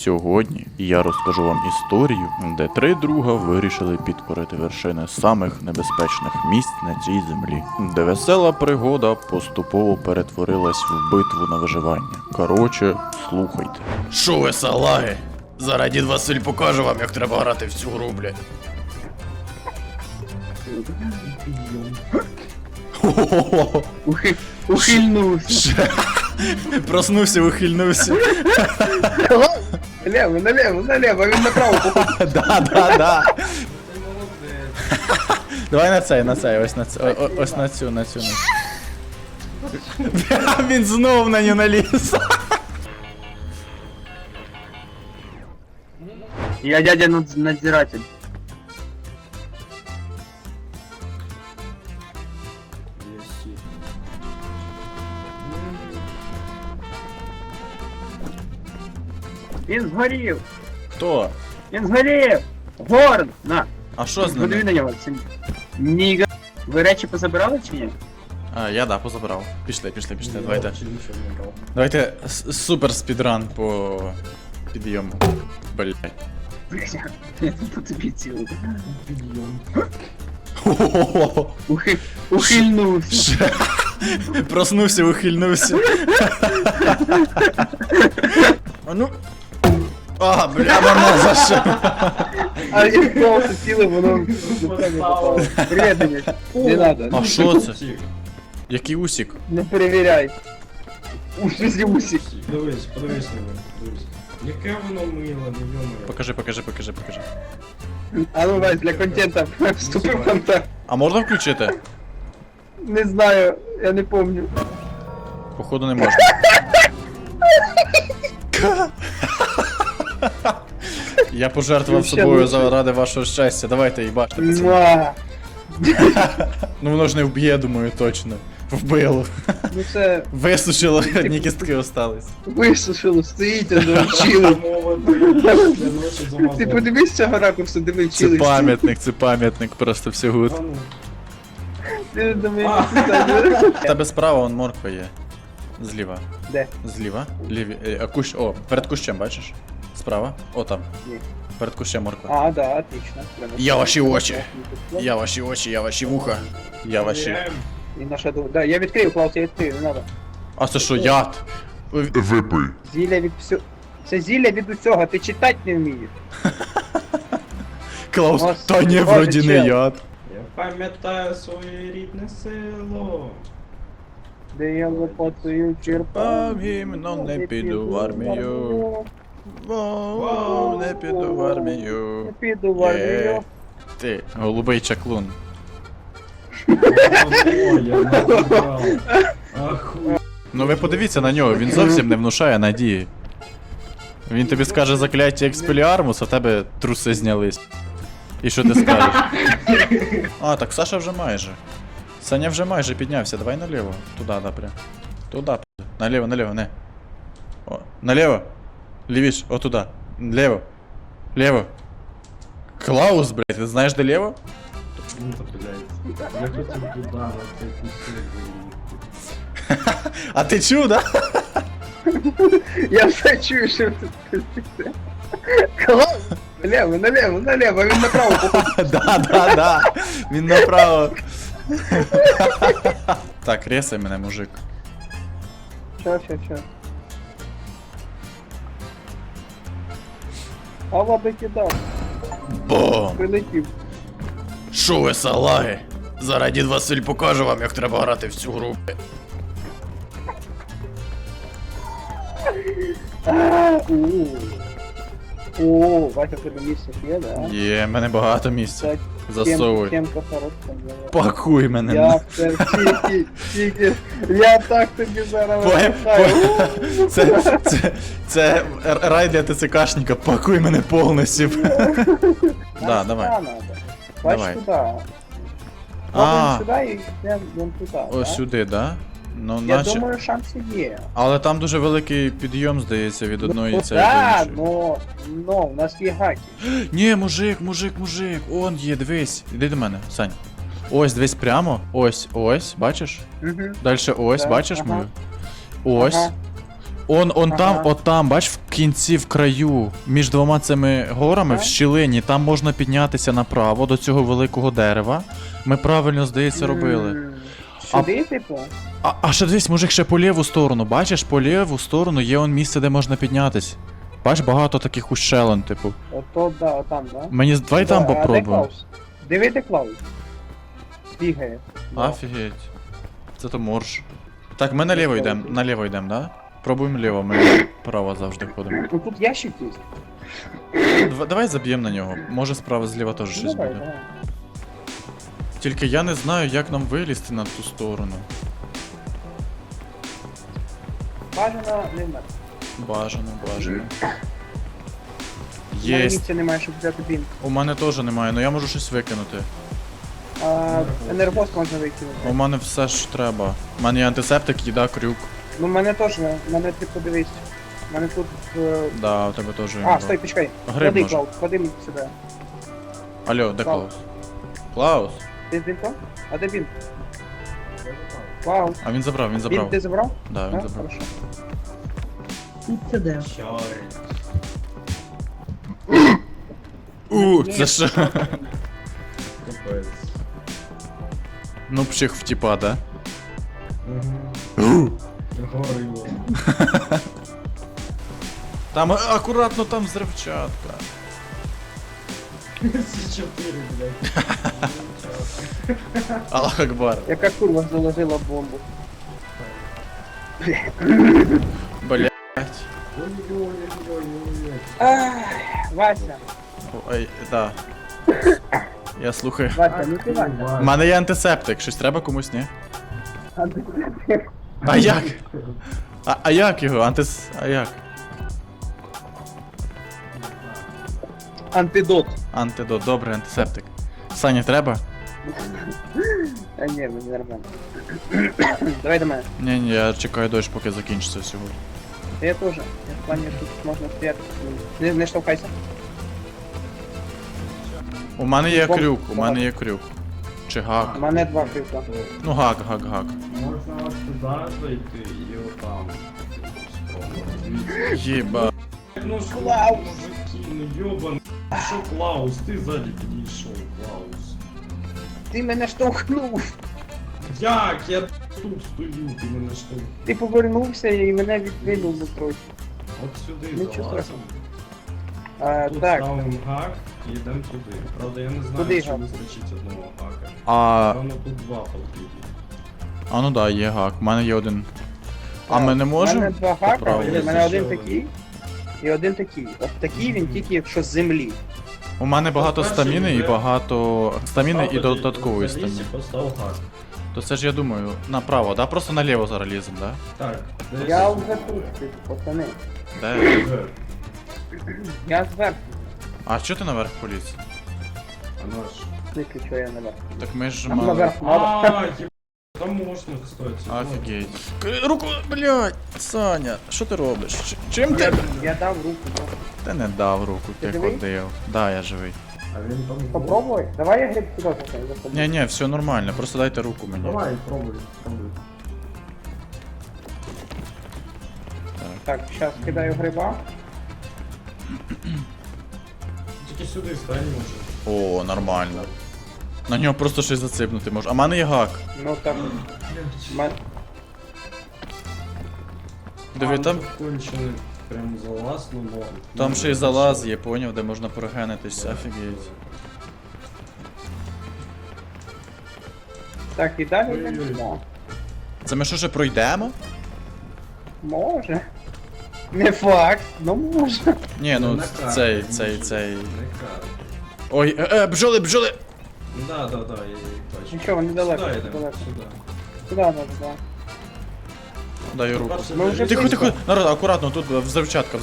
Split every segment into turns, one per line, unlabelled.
Сьогодні я розкажу вам історію, де три друга вирішили підкорити вершини самих небезпечних місць на цій землі, де весела пригода поступово перетворилась в битву на виживання. Короче, слухайте.
Шо ви салаги? Зараз дід Василь покаже вам, як треба грати в цю гру, блядь.
Ухильнувся.
Проснувся, ухильнувся.
Налево, він направо походу.
Да. Давай на цей, ось на цю. Він знов на нього наліз.
Я дядя надзиратель. Він згорів!
Хто?
Він згорів! Горн! На!
А що з
Подиви
ними?
на нього. Ніга. Ви речі позабирали чи ні?
А, я да, позабирав. Пішли, давайте супер спідран по підйому. Блять.
Я тут по тобі цілий. Ухильнувся.
Проснувся, ухильнувся. А ну. А, бля, мене за що?
А я просто цілий, воно не попало. Привіт, Денис. Не надо.
А що це? Який усік?
Не перевіряй. Усі усі.
Подивись на мене, дивись. Яке воно миле, не йомо.
Покажи.
А ну, Вась, для контента вступив в контакт.
А можна включити?
Не знаю, я не помню.
Походу не можна. Я пожертвував собою заради вашого щастя. Давайте їбаште, пацани.
Муа.
Ну воно ж не вб'є, думаю, точно. Вбило.
Ну це
Висушило, одні кістки остались.
висушило, стоїть, чили. Ти подивись з цього ракурсу, диви,
Це
чили.
пам'ятник, просто все гуд.
Ти до мене
В тебе справа вон морква є. Зліва.
Де?
Зліва. Кущ. О, перед кущем, бачиш? Справа. О, там.
Ні.
Перед кущем морква.
А, да, отлично.
Я ваші очі. Я ваші очі, я ваші вуха. Я ваші.
І наша ду... Да, я відкрив, Клаус, я відкрив, не надо.
А це що, яд?
Випий.
Зілля від всього. Це зілля від усього, ти читати не вмієш.
Клаус,
Господи,
та ні,
Боже,
вроді не
чел.
яд.
Я пам'ятаю своє рідне село.
Де я лопатою черпав.
Гімно не піду в армію. Воу, не піду в армію.
Не піду в армію.
Ти, голубий чаклун.
О, я назбирав. Ахуй.
Ну ви подивіться на нього, він зовсім не внушає надії. Він тобі скаже закляття експеліармус, а в тебе труси знялись. І що ти скажеш? А, так Саша вже майже. Саня вже майже піднявся, давай наліво. Туда, да, прям. Туда, наліво, не. О, наліво. Лівіш, о туда. Ліво. Ліво. Клаус, блядь, ти знаєш де ліво?
Ну, то, блядь. Я хотів туди, на цей кусок.
А ти чув, да?
Я все чую, що ти. Клас! Налево, він направо походу.
Да. Він направо. Так, ресай мене, мужик.
Чо. Ава би кидав,
Бом!
прилетів.
Шо ви салаги? Зараз дід Василь покаже вам, як треба грати в цю гру.
О, Вася, тебе місце є, да?
Є, в мене багато місця.
Так,
Засовуй.
Темка хороша.
Пакуй мене.
Я це тільки, я так тобі зараз випихаю.
Це рай для ТЦКшника, пакуй мене повністю. Да, давай.
Бач
Давай.
туди.
А,
Пробуємо сюди і йдемо туди.
ось
да?
сюди, да? Ну,
Я
наче.
думаю, шанси є.
Але там дуже великий підйом, здається, від одної цієї
Да,
до іншої.
но у нас є гаки.
Ні, мужик, он є, дивись. Іди до мене, Сань. Ось, дивись прямо. Ось, бачиш?
Угу.
Дальше ось,
Так,
бачиш
ага.
мою? Ось.
Ага.
Он
Ага.
там, от там, бач, кінці в краю, між двома цими горами, в
Так.
щілині, там можна піднятися направо до цього великого дерева. Ми правильно, здається, робили.
Сюди, типу?
А ще дивись, мужик, ще по ліву сторону. Бачиш, по ліву сторону є он місце, де можна піднятись. Бач, багато таких ущелин, типу.
Ото, да, отам, да?
Давай там
Да, а де
попробуємо.
Клаус? Диви, де Клаус. Бігає. Да.
Офігеть. Це то морж. Так, ми наліво йдемо, да? Пробуємо ліво, ми право завжди ходимо.
Ну тут ящик є.
Давай заб'ємо на нього. Може справа зліва теж щось
Давай,
буде.
давай.
Тільки я не знаю, як нам вилізти на ту сторону.
Бажано не вмер.
Бажано.
У мене
Єсть.
місця немає, щоб взяти бінт.
У мене теж немає, але я можу щось викинути.
Енергос можна викинути.
У мене все ж треба. У мене є антисептик, їда, крюк.
Ну, в мене теж, в мене ти подивись. У мене тут...
Да, у тебе теж.
А, стой, почекай.
Гриб
Ходи,
може.
Клаус, ходи сюди.
Алло, де
Клаус.
Клаус? Клаус?
Ти з бінтом? А де бінт? Клаус.
А він забрав.
Бінт ти забрав?
Да, він
Да?
забрав.
Хорошо.
Це що?
Капець.
Ну, пчих в тіпа, да?
Горило.
Там акуратно там взривчатка.
С4, блядь.
Аллах Акбар.
Яка курва заложила бомбу?
Блять.
Ой-ой-ой-ой-ой.
Ах, Вася,
Ой, да. Я слухаю.
Вася, ну ти Вася.
У мене є антисептик, щось треба комусь, ні?
А ти-
А як? А як його? А як?
Антидот.
Антидот, добре, антисептик. Саня, треба?
А ні, мені нормально. Давай до мене.
Ні, я чекаю дощ, поки закінчиться всього.
Я теж. Я в плані тут можна стояти. Не штовхайся.
У мене є
Бом-
крюк, у мене є крюк. Чи
У
гак?
мене два крюка.
Ну гак.
Можна аж туди зайти і отам. Спробувати.
Єба.
Ну що,
Клаус.
мужики, ну йобан. Що Клаус? Ти ззаді підійшов, Клаус.
Ти мене штовхнув.
Як? Я тут стою, ти мене штовхнув.
Ти повернувся і мене відвинув трохи.
От сюди
Нічого
залазимо. Тут
Так,
ставимо гак і йдемо туди. Правда, я не знаю,
Куди
чи
гак?
вистачить одного гака.
А
Воно тут два потрібні.
ну да, є гак. У мене є один. А ми не
У
можемо?
мене два хака,
Поправити?
у мене один
Ще
такий. І один такий. От такий він тільки якщо з землі.
У мене багато
Перший
стаміни і
йде.
багато стаміни і
Став
додаткової
тоді,
стаміни.
Постав гак.
То це ж я думаю, направо, да? Просто наліво зараз лізем, да?
Так, десь
Я вже тут, пацани.
Де?
вже.
Я зверху.
А чого ти наверх поліз?
А наш.
Тільки що я наверх.
Так ми ж
Нам
мали...
наверх надо.
А, єб... Там можна, кстати.
Офігеть. Руку, блядь, Саня, що ти робиш? Чим ти?
Я дав руку. ну.
Ти не дав руку,
Ти
ти
живий?
ходив. Да, я живий.
А він там...
Попробуй. Давай я гриб сюди заходи.
Ні, все нормально, просто дайте руку мені.
Давай, пробуй, пробуй.
Так, зараз кидаю гриба.
Тільки сюди стань може.
О, нормально. На нього просто щось заципнути може. А в мене є гак.
Ну так.
Диви, там,
Кончений прям залаз, ну норм.
там ще й залаз є, поняв, де можна прогенитись, офігеть.
Так, і далі
Ой-ой-ой.
йдемо.
Це ми що ще пройдемо?
Може. Не факт, ну може.
Ні, ну
На карті.
цей.
Не карт.
Ой, бджоли!
Ну да, я їх бачу.
Нічого, вони далеко,
Сюди йдемо,
далеко.
сюди.
Сюди надо, да.
Даю руку.
Перше,
Ми вже
Тихо,
близько.
народ, акуратно, тут взривчатка.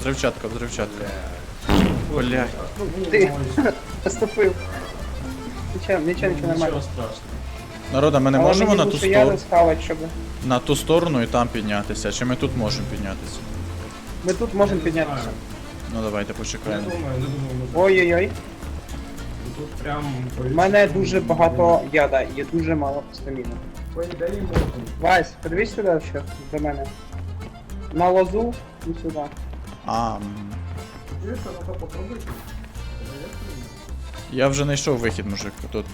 Блядь.
Ти поступив. Нічого, нормально.
Нічого страшного.
Народа, ми не
Але
можемо
мені
на ту
лучше я
сторону,
схавати, щоб...
на ту сторону і там піднятися, чи ми тут можемо піднятися?
Ми тут можемо
Я не
піднятися.
знаю.
Ну давайте
Не
почекаємо.
думаю.
Ой-ой-ой.
Тут прям...
У мене дуже багато яда, є дуже мало стаміни.
По ідеї можна.
Вась, подивись сюди ще до мене. На лозу і сюди.
Я вже знайшов вихід, мужик.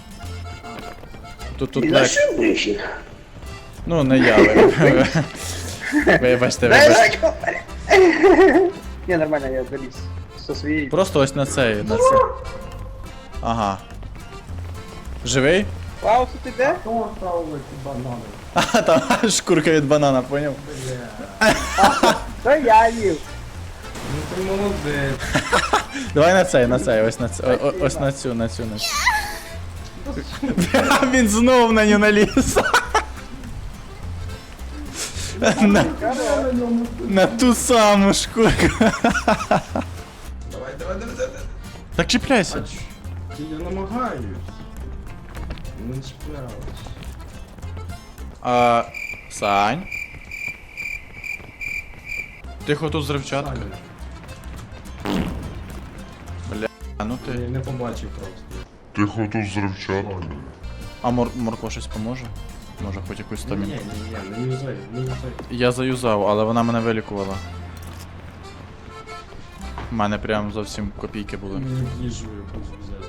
Тут легше. Ну, не я. Вибачте, вибачте.
Не, нормально, я заліз со своєї.
Просто ось на цей, на це. Ага. Живий?
Клаус, ти де?
Кто оставил эти бананы?
А, там шкурка від банана, поняв?
То я їв.
Ну ты молодец.
Давай на цей, ось на цей. Ось на цю. Він знов на нього наліз. На ту саму шкурку.
Давай.
Так чіпляйся.
Я намагаюсь. Не чіплялась.
Сань. Тихо, тут зривчатка. А ну
Я
ти.
не побачив просто.
Тихо тут взривчатка.
А морква щось поможе? Може хоч якусь
Ні,
стаміну.
не юзай, не юзай.
Я заюзав, але вона мене вилікувала. У мене прям зовсім копійки були.
Мені їжу якусь взяти.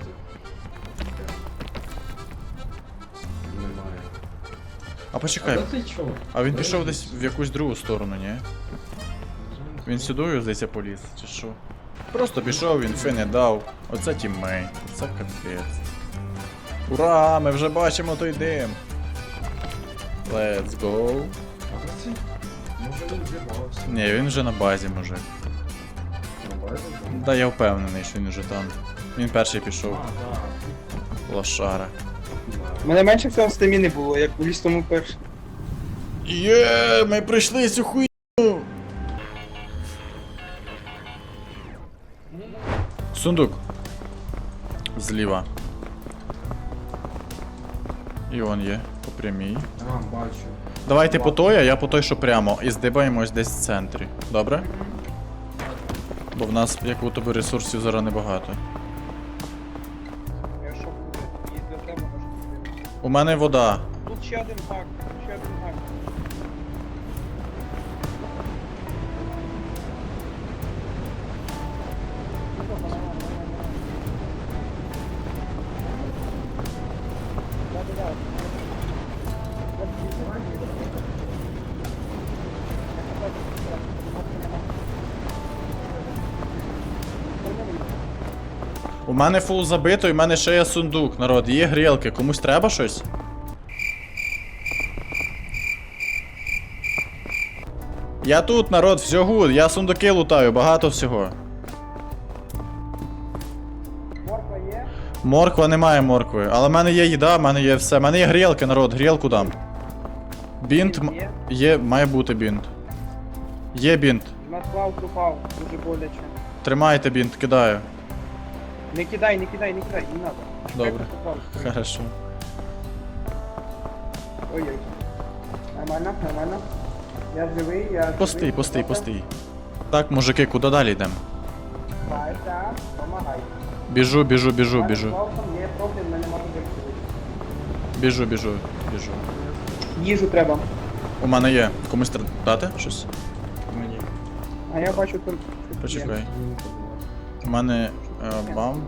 Немає.
А почекай,
А ти чого?
а він пішов десь в якусь другу сторону, ні? Він сюди, здається, поліз, чи що? Просто пішов, він фи не дав. Оце тіммейт, це капець. Ура, ми вже бачимо той дим. Let's go.
А це? Може він зірвався.
Ні, він вже на базі, мужик.
На базі?
Да, я впевнений, що він вже там. Він перший пішов.
А,
Лошара.
У мене менше всього стаміни було, як у лістому перший.
Є, ми пройшли цю хуйню. Сундук. Зліва. І он є, по прямій.
А, бачу.
Давайте по той, а я по той, що прямо. І здибаємось десь в центрі. Добре? Бо в нас, як у тебе, ресурсів зараз небагато.
Я що буде? І для тебе може бути.
У мене вода.
Тут ще один гак, ще один гак.
У мене фул забито, і в мене ще є сундук, народ. Є грілки. Комусь треба щось? Я тут, народ, все гуд, я сундуки лутаю, багато всього.
Морква є?
Морква немає моркви, але в мене є їда, в мене є все. В мене є грілки, народ, грілку дам. Бінт
Є?
є, має бути бінт. Є бінт.
У нас Клаус упав, дуже боляче.
Тримайте бінт, кидаю.
Не кидай, не надо.
Добре.
Чекай, поки Клаус.
Хорошо.
Ой-ой. Нормально. Я живий, я живий.
Постій. Так, мужики, куди далі йдемо?
Байта, помагай.
Біжу.
З Клаусом є проблем, ми не можемо вирішити.
Біжу.
Їжу треба.
У мене є. Комусь дати щось?
Мені.
А я бачу тут.
Почекай.
Мені подобається.
У мене бам.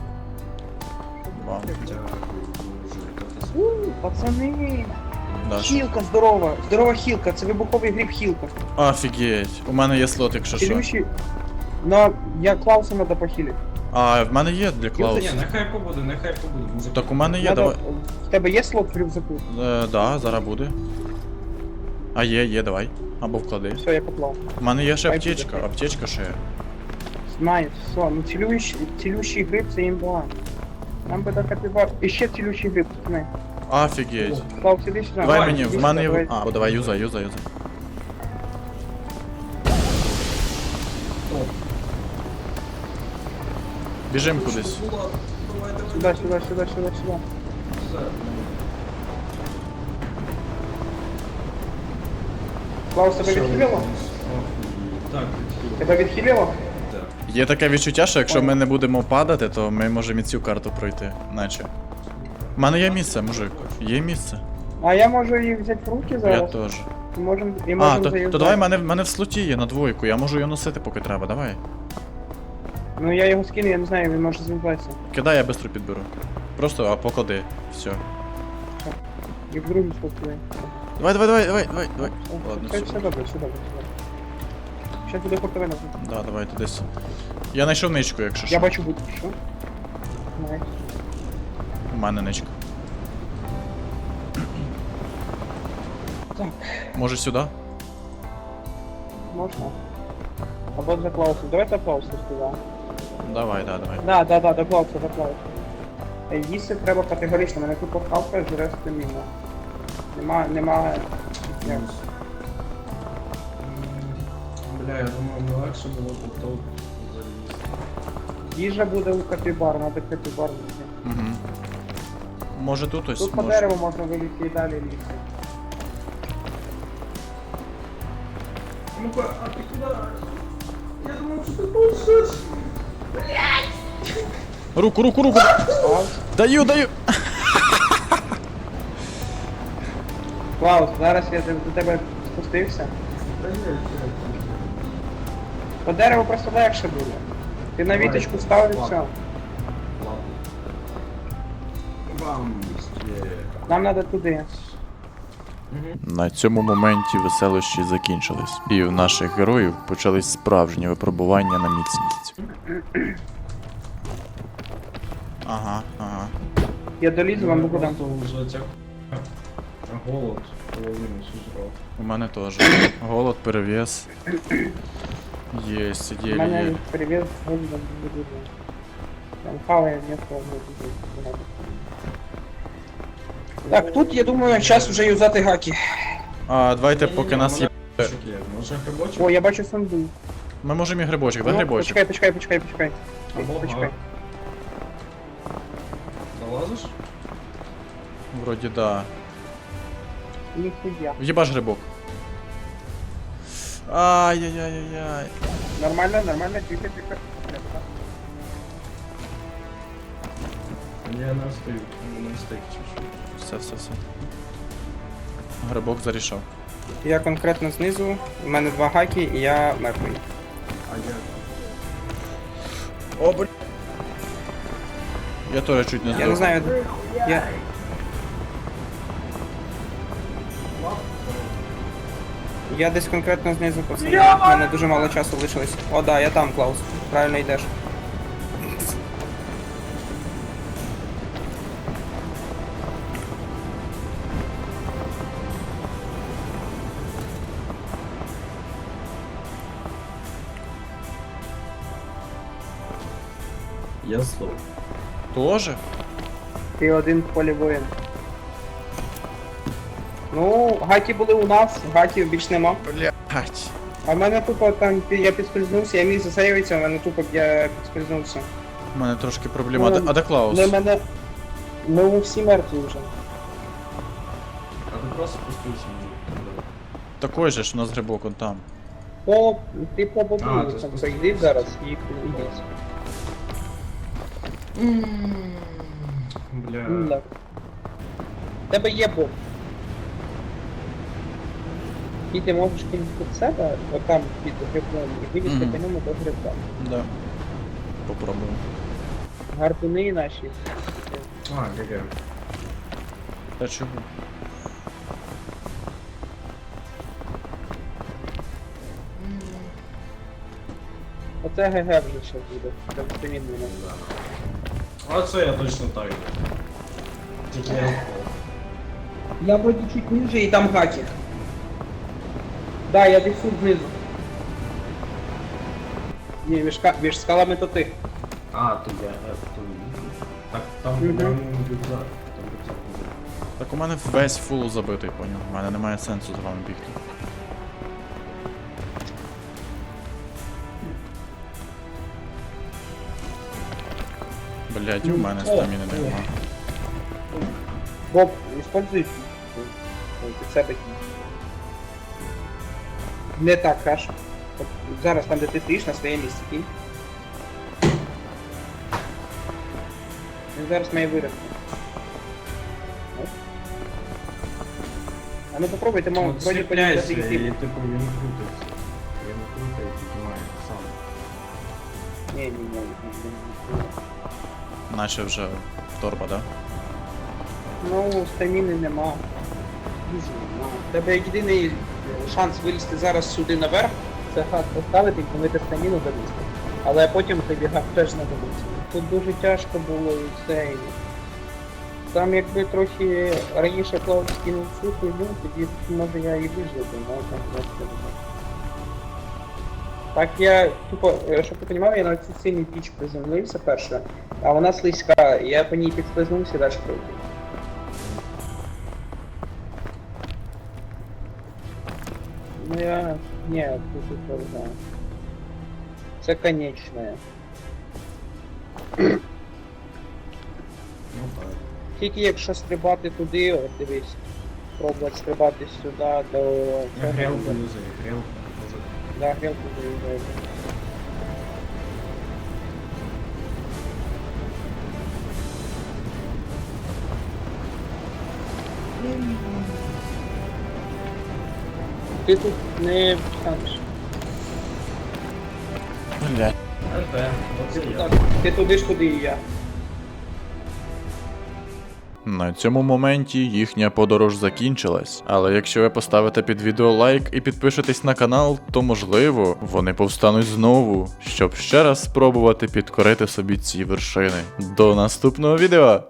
Дякую, дуже.
Пацани.
Да.
Хілка здорова. Здорова хілка, це вибуховий гриб хілка.
Офігеть. У мене є слот, якщо що.
Цілющий. Но я Клауса надо похилити.
А, в мене є для
Ні,
Клауса.
нехай побуде. Може,
Так у мене є,
Надо...
давай.
В тебе є слот в рюкзаку?
Да, зараз буде. А є, давай. Або вклади.
Все, я поклав.
У мене є ще
Хай
аптечка,
буде.
аптечка ще є.
Знаю, все. Ну цілющий гриб це імба. Нам би так капібар. І ще цілющий гриб, пацани.
Офігеть.
Клаус, іди сюди.
Давай мені,
Іди
в мене
сюди,
є.
давай.
А, давай, юзай. Біжим кудись.
Сюди. Клаус, тебе відхилило?
Так, відхилило.
Тебе відхилило?
Так.
Є таке відчуття, що якщо ми не будемо падати, то ми можемо і цю карту пройти. Наче. У мене є місце, мужик. Є місце.
А я можу їх взяти в руки
Я
зараз.
теж.
І можемо
А, то
заюзати.
давай мене в слоті є на двойку, я можу його носити, поки треба, давай.
Ну я його скину, я не знаю, він може заюзатися.
Кидай, я швидко підберу. Просто поклади. Все.
І в другу спокою.
Давай. Ладно,
Все,
все.
все добре, все добре. Щас буде хортовина.
Да, давайте десь. Я знайшов ничку, якщо
Я
що.
бачу будь що. Найс.
У мене ничка.
Так,
Може сюди?
можна. Або за Клаусом. Давайте Клауса сюди.
Давай, давай.
Да, до Клауса, до Клауса. Їсти треба категорично, мене тупо хавка жре стаміна. Нема... Як?
Бля, я думав, не легше було б тут залізти.
Їжа буде у капібар, надо капібар знайти.
Угу. Може тут ось
Тут по
може.
дереву можна вилізти і далі лізти.
Ну-ка, а ти куди? Я думав, що ти будеш.
Руку!
Клаус,
Даю!
Клаус, зараз я до тебе спустився.
Та ні,
По дереву просто легше буде. Ти на
Давай.
віточку став і
Ладно.
все.
ладно. Бам, є.
Нам треба туди.
На цьому моменті веселощі закінчились, і в наших героїв почались справжні випробування на міцність.
Ага.
Я долізу, вам буду дам.
Просто вже ця голод половину сожрав.
У мене теж. Голод, перевес. Єсть,
У мене
є.
перевіз голодом не буде. Там хаває місто не буде. Так, тут я думаю, час вже юзати гаки.
А, давайте, поки нас є.
Може грибочок?
О, я бачу санду.
Ми можемо і грибочок, да
Ну,
грибочок?
Почекай.
Або
Почекай.
гак. Залазиш?
Вроді да.
Ніхуя.
В'єбаш грибок. Ай-яй-яй-яй-яй.
Нормально, тихо.
Я не встиг, не встиг чуть-чуть.
Все. Грибок зарішав.
Я конкретно знизу, у мене 2 гаки і я мертвий.
А я...
О, блін. Я теж чуть не здох.
Я не знаю, я десь конкретно знизу пацани. У мене дуже мало часу лишилось. О, да, я там, Клаус. Правильно йдеш.
Я здох.
Тоже?
Ти один в полі воїн. Ну, гаки були у нас, гаків більш нема.
Блять.
А в мене тупо там я підскользнувся, я міг засейвитися, в мене тупо я підскользнувся.
У мене трошки проблема.
Ну,
А де Клаус?
Ну, мене... Ну, всі мертві вже.
А ти просто спустився на
Такой же ж у нас грибок, он там.
Ти по бобу
А, ти
там
спустився.
зайди зараз і йдеш.
Бля.
Так. В тебе є боб. І ти можеш кинути під себе, отам під грибом, і вилізти
Мгм.
по ньому до гриба.
Да. Попробуємо.
Гарпуни наші.
А, ГГ.
Та чого?
Оце ГГ вже ще буде. Там стамін буде.
А це я точно так. Тільки я впав.
Я вроді чуть ниже і там гаки. Да, я десь тут знизу. Ні, між скалами то ти.
А, то я, то... Так, там,
Мгм.
там рюкзак. Там рюкзак буде.
Так у мене весь фул забитий, поняв. У мене немає сенсу з вами бігти. Блять, у мене стаміни нема.
Боб, используй під себе. Не так, Хаш. От зараз там, де ти стоїш, на своє місце кінь. Він зараз має вирости. Оп. А ну попробуйте,
Ну,
мов, вроді
цепляйся, і
подивитися.
типу він крутиться. Він крутить і піднімає сам.
Ні.
Наче вже торба, да?
Ну, стаміни нема. Дуже нема. У тебе єдиний шанс вилізти зараз сюди наверх, це хат поставити і помити стаміну залізти. Але потім тобі гак теж знадобиться. Тут дуже тяжко було і це. І... Там якби трохи раніше Клаус скинув цю хуйню, тоді може я і вижив, але там просто не знаю. Так я, тупо, щоб ти розумів, я на цій синій піч приземлився перше, а вона слизька, і я по ній підслизнувся і далі пройду. Ну я... Ні, тут не знаю. Це конечне.
Ну так.
Тільки якщо стрибати туди, от дивись, пробувати стрибати сюди до...
Я грелку юзаю, грелку.
Да, грілку заїжджаю. Ти тут не встанеш.
Блядь.
Оце я.
Так, ти туди ж, куди і я.
На цьому моменті їхня подорож закінчилась, але якщо ви поставите під відео лайк і підпишетесь на канал, то можливо вони повстануть знову, щоб ще раз спробувати підкорити собі ці вершини. До наступного відео!